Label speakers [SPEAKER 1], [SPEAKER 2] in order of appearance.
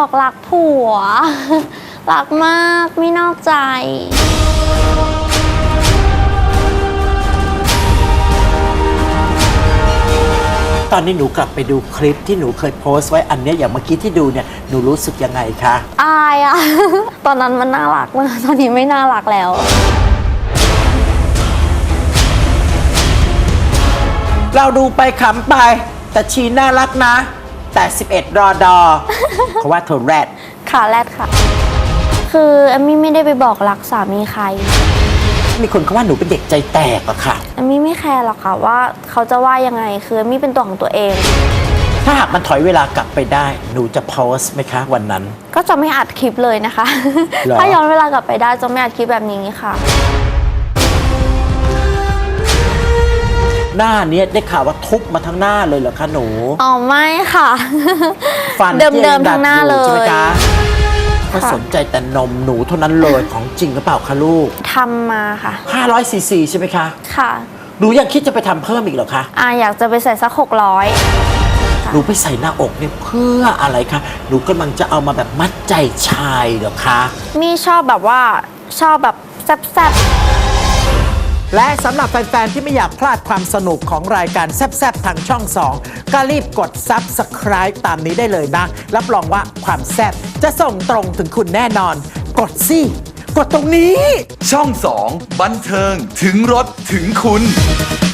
[SPEAKER 1] บอกรักผัว รักมากไม่นอกใจ
[SPEAKER 2] ตอนนี้หนูกลับไปดูคลิปที่หนูเคยโพสต์ไว้อันเนี้ยอย่างเมื่อกี้ที่ดูเนี่ยหนูรู้สึกยังไงคะ
[SPEAKER 1] อายอะ ตอนนั้นมันน่ารักมากตอนนี้ไม่น่ารักแล้ว
[SPEAKER 2] เราดูไปขำไปแต่ชีน่ารักนะ แต่11 รอดอ เพราะว่าเธอแรด
[SPEAKER 1] ค่ะแรดค่ะ คือเอมมี่ไม่ได้ไปบอกรักสามีใคร
[SPEAKER 2] มีคนเขาว่าหนูเป็นเด็กใจแตกอะค่ะ
[SPEAKER 1] เอมมี่ไม่แคร์หรอกค่ะว่าเขาจะว่ายังไงคือเอมมี่เป็นตัวของตัวเอง
[SPEAKER 2] ถ้าหากมันถอยเวลากลับไปได้ หนูจะโพสต์ไหมคะวันนั้น
[SPEAKER 1] ก็จะไม่อัดคลิปเลยนะคะ
[SPEAKER 2] หรอ
[SPEAKER 1] ถ้าย้อนเวลากลับไปได้จะไม่อัดคลิปแบบนี้ค่ะ
[SPEAKER 2] หน้าเนี้ยได้ข่าวว่าทุบมาทั้งหน้าเลยเหรอคะหนู
[SPEAKER 1] อ๋อไม่ค่ะ
[SPEAKER 2] ฟัน
[SPEAKER 1] เดิมๆทั้งหน้าเล
[SPEAKER 2] ใช่ไหม
[SPEAKER 1] ย
[SPEAKER 2] คะก็สนใจแต่นมหนูเท่านั้นเลยของจริงหรือเปล่าคะลูก
[SPEAKER 1] ทำมาค่ะ
[SPEAKER 2] 500 ซีซีใช่ไหมคะ
[SPEAKER 1] ค่ะ
[SPEAKER 2] หนูยังคิดจะไปทำเพิ่มอีกเหรอคะ
[SPEAKER 1] อยากจะไปใส่สัก600
[SPEAKER 2] หนูไปใส่หน้าอกเนี่ยเพื่ออะไรคะ หนูกำลังจะเอามาแบบมัดใจชายเหรอคะ
[SPEAKER 1] มีชอบแบบว่าชอบแบบแซ่บ
[SPEAKER 2] และสำหรับแฟน ๆ ที่ไม่อยากพลาดความสนุกของรายการแซบๆ ทางช่อง 2 ก็รีบกด Subscribe ตามนี้ได้เลยนะ รับรองว่าความแซบจะส่งตรงถึงคุณแน่นอน กดสิ กดตรงนี้
[SPEAKER 3] ช่อง 2 บันเทิงถึงรถถึงคุณ